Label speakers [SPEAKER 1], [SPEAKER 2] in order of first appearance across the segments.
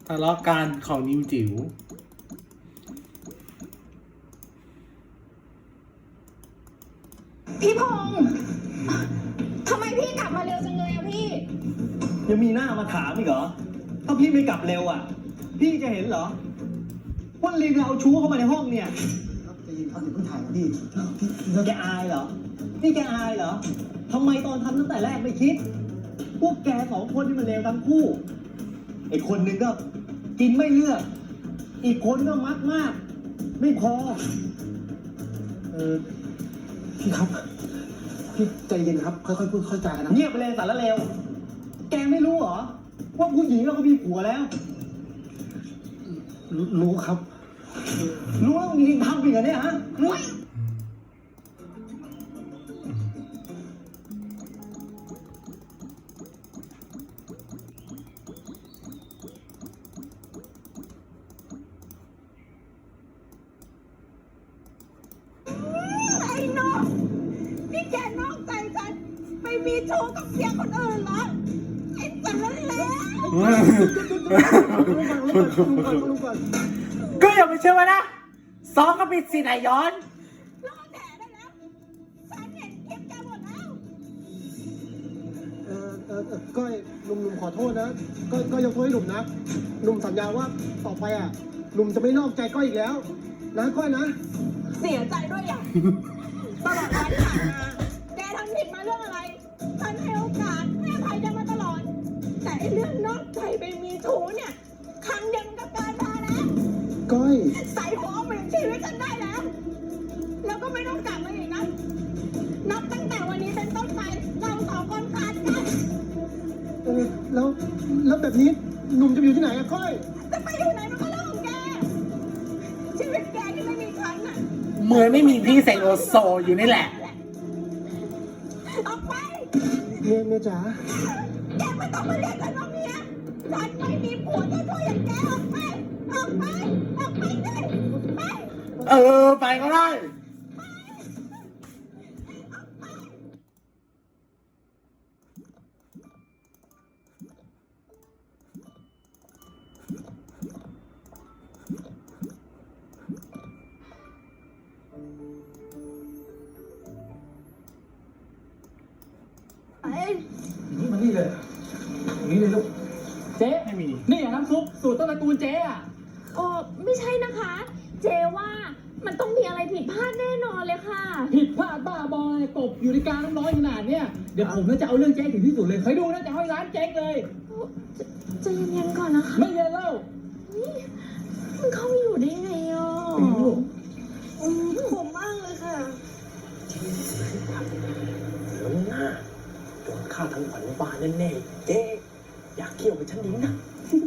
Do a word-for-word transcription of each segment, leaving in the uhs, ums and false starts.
[SPEAKER 1] ทะเลาะกันของนิวจิ๋ว
[SPEAKER 2] พี่พงษ์ทำไมพี่กลับมาเร็วจังเลยอะพี่
[SPEAKER 3] ยังมีหน้ามาถามอีกเหรอถ้าพี่ไม่กลับเร็วอ่ะพี่จะเห็นเหรอว่าลิงเอาชู้เข้ามาในห้องเนี่ย
[SPEAKER 4] ครับจะยินเขาถึงเพิ่งถ่ายนะพี่
[SPEAKER 3] แกอายเหรอนี่แกอายเหรอทำไมตอนทำตั้งแต่แรกไม่คิด พวกแกสองคนนี่มันเลวทั้งคู่ไอ้คนหนึ่งก็กินไม่เลือกอีกคนก็มักมากไม่พอ
[SPEAKER 4] เออพี่ครับพี่ใจเย็นครับค่อยๆพูดค่อยๆจากันนะ
[SPEAKER 3] เงียบไปเลยสารเลวแกไม่รู้เหรอว่าผู้หญิงเราก็มีผัวแล้ว
[SPEAKER 4] รู้รู้ครับ
[SPEAKER 3] รู้แล้วมีทำอีกเหรอเนี่ยฮะรู้
[SPEAKER 2] ไอ้น้องนี่แกนอกใจฉันไปมีชู้กับเสียคนอื่นเหรอไอ้สารเลว
[SPEAKER 1] ก็อย่าไปเชื่อมันนะซ้อมก็ปิดสิไหนย้อน
[SPEAKER 2] รอแถได้แล้วฉันเห็นคลิปแกหมดแล้ว
[SPEAKER 4] เออเออเออก้อยหนุ่มหนุ่มขอโทษนะก้อยก้อยยกโทษให้หนุ่มนะหนุ่มสัญญาว่าต่อไปอ่ะหนุ่มจะไม่นอกใจก้อยอีกแล้วนะก้อยนะ
[SPEAKER 2] เสียใจด้วยอย่างตลอดวันที่ผ่านมาแกทำผิดมาเรื่องอะไรฉันให้โอกาสให้อภัยแกมาตลอด แต่ไอ้เรื่องนอกใจไปมีชู้เนี่ยครั้งเดียวมันก็เกินพอแล้ว
[SPEAKER 4] ก้อย
[SPEAKER 2] ใส่หัวเอาเปลี่ยนชีวิตฉันได้แล้ว แล้วก็ไม่ต้องกลับมาอีกนะ นับตั้งแต่วันนี้เป็นต้นไป เราสองคนขาดกัน
[SPEAKER 4] เออแล้วแล้วแบบนี้หนุ่มจะอยู่ที่ไหนอะก้อย
[SPEAKER 2] จะไปอยู่ไหนมันก็เรื่องของแก ชีวิตแกที่ไม่มีฉันน่ะ
[SPEAKER 1] เหมือนไม่มีพี่เสกโลโซอยู่นี่แหละ
[SPEAKER 2] ออกไป
[SPEAKER 4] เมียเมียจ๋า
[SPEAKER 2] แกไม่ต้องมาเรียกฉันว่าเมียฉันไม่มีผัวเจ้าชู้อย่างแกออกไป ออกไป ออกไปเลยไป
[SPEAKER 1] เออ ไปก็ได้
[SPEAKER 2] ไป
[SPEAKER 4] นี่มานี่เลยตรงนี้เลยลูก
[SPEAKER 5] เจ๊
[SPEAKER 1] ไม่มี
[SPEAKER 5] นี่อย่างน้ำซุปสูตรต้นตระกูลเจ๊อะ
[SPEAKER 6] โอ้ไม่ใช่นะคะ เจว่ามันต้องมีอะไรผิดพลาดแน่นอนเลยค่ะ
[SPEAKER 5] ผิดพลาดบ้าบอยกบอยู่ในกลางน้ำร้อนขนาดเนี้ยเดี๋ยวผมน่าจะเอาเรื่องเจ๊ถึงที่สุดเลยเคยดูนะจะให้ร้านเจ๊งเลย
[SPEAKER 6] ใจะเย็นๆก่อนนะคะ
[SPEAKER 5] ไม่เย็นเล่า
[SPEAKER 6] มันเข้ามาอยู่ได้ไงอ่ะ
[SPEAKER 5] เป็นลูก
[SPEAKER 6] อืมผมมากเลยค่ะ
[SPEAKER 3] น้ำหน้าโดนฆ่าทั้งขวัญบาลแน่ๆเจ๊อยากเกี่ยวกับฉันดิ้งนะ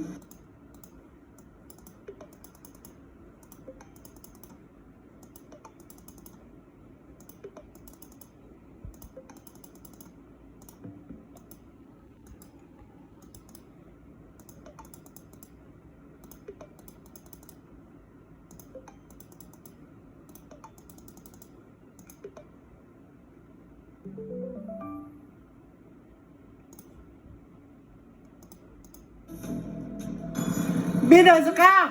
[SPEAKER 1] พี่เดอะสกา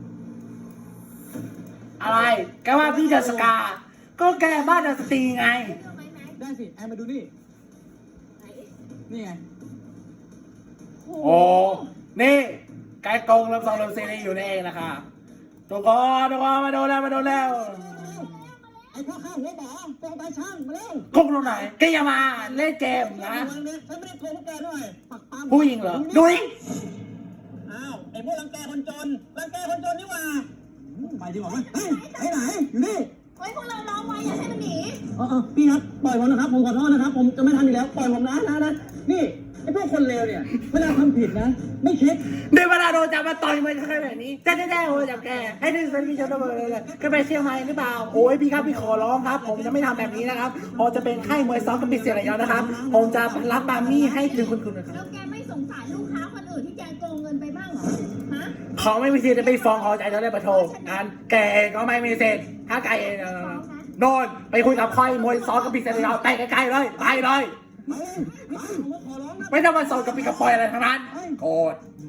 [SPEAKER 1] อะไรแกว่าพี่เดอะสกา ก็แกบ้านเดอะสตรีไง
[SPEAKER 5] ได้สิแอนมาดูนี่นี่ไง
[SPEAKER 1] โอ้ นี่ไกด์กงรับสองรับซีรีส์อยู่นี่เองนะคะทุกคนทุกคนมาดูแล้วมาดูแล้ว
[SPEAKER 3] ไอ้พ่อข้าหัวหมอไปเอาตาช่างมาเร็ว
[SPEAKER 1] กงตรงไหนแกอย่ามาเล่นเกมนะ
[SPEAKER 3] ฉันไม่ได้โกงพวกแกด้วยปักปั๊ม
[SPEAKER 1] ผู้หญิงเหรอ ดูดิ
[SPEAKER 3] อ้าวไอ้พวกรังแกคนจนรังแกคนจนนี่หว่าไปดีกว่าไหมเฮ้ยไปไหนอยู่นี่
[SPEAKER 2] ไว้พวกเราล้อมไว้อย่าให้มันหนี
[SPEAKER 3] เออเออพี่ครับปล่อยผมนะครับผมขอโทษนะครับผมจะไม่ทำอีกแล้วปล่อยผมนะนะนะนี่ไอ้พวกคนเลวเนี่ยเวลาทำผิดนะ ไม่คิด
[SPEAKER 1] เดี๋ยวเวลาโดนจับมาต่อยมันแค่แบบนี้แจ๊แจ๊โอ้จับแกให้ดึงเซนพี่ชนเลยเลยก็ไปเชียงใหม่หรือเปล่าโอ้ยพี่ครับพี่ขอร้องครับ ผมจะไม่ทำแบบนี้นะครับผมจะเป็นค่ายมวยซ้อมกับปิดเสียระยะนะครับ ผมจะรับบามี่ให้ถึงคุณคุณนะครับ
[SPEAKER 2] แล้วแกไม่สงสารลูกค้าคนอื่นที่แกโกงเงินไปบ้างเหรอ ฮะ
[SPEAKER 1] เขาไม่มีสิทธิ์จะไปฟ้องเขาใจเขาเลยประโทษงั้นแกเองก็ไม่มีสิทธิ์ถ้าแกเองโดนไปคุยกับค่ายมวยซ้อมกับปิดเสียระยะไปไกลๆเลยไปเลยไม่ต้องมาสอนกับปีกระปอยอะไรทั้งนั้นโกรธ